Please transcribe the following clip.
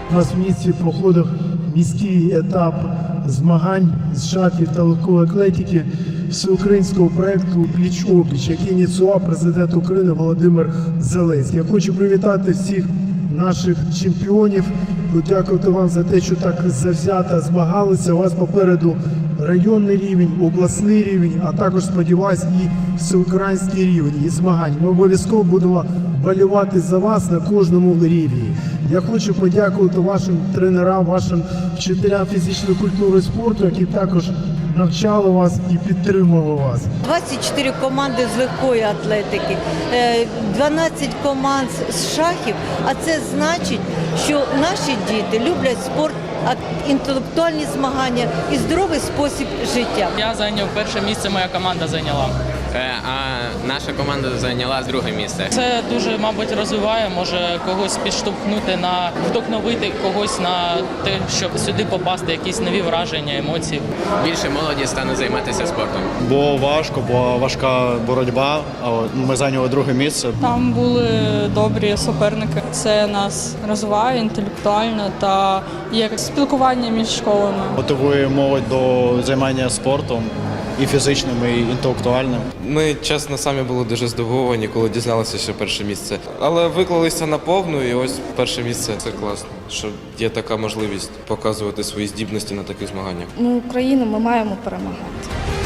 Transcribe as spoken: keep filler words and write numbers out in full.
У нас в місті проходив міський етап змагань з шахів та легкої атлетики всеукраїнського проєкту «Пліч-опліч», який ініціював президент України Володимир Зеленський. Я хочу привітати всіх наших чемпіонів, подякувати вам за те, що так завзято змагалися. У вас попереду районний рівень, обласний рівень, а також, сподіваюся, і всеукраїнський рівень і змагань. Ми обов'язково будемо болювати за вас на кожному рівні. Я хочу подякувати вашим тренерам, вашим вчителям фізичної культури і спорту, які також навчали вас і підтримували вас. двадцять чотири команди з легкої атлетики, дванадцять команд з шахів, а це значить, що наші діти люблять спорт, інтелектуальні змагання і здоровий спосіб життя. Я зайняв перше місце, моя команда зайняла. А наша команда зайняла друге місце. Це дуже, мабуть, розвиває, може когось підштовхнути на вдохновити когось на те, щоб сюди попасти, якісь нові враження, емоції. Більше молоді стане займатися спортом. Було важко, була важка боротьба, але ми зайняли друге місце. Там були добрі суперники. Це нас розвиває інтелектуально та є спілкування між школами. Мотивує молодь до займання спортом і фізичним, і інтелектуальним. Ми, чесно, самі були дуже здивовані, коли дізналися, що перше місце. Але виклалися наповну, і ось перше місце. Це класно, що є така можливість показувати свої здібності на таких змаганнях. Ми Україна, ми маємо перемагати.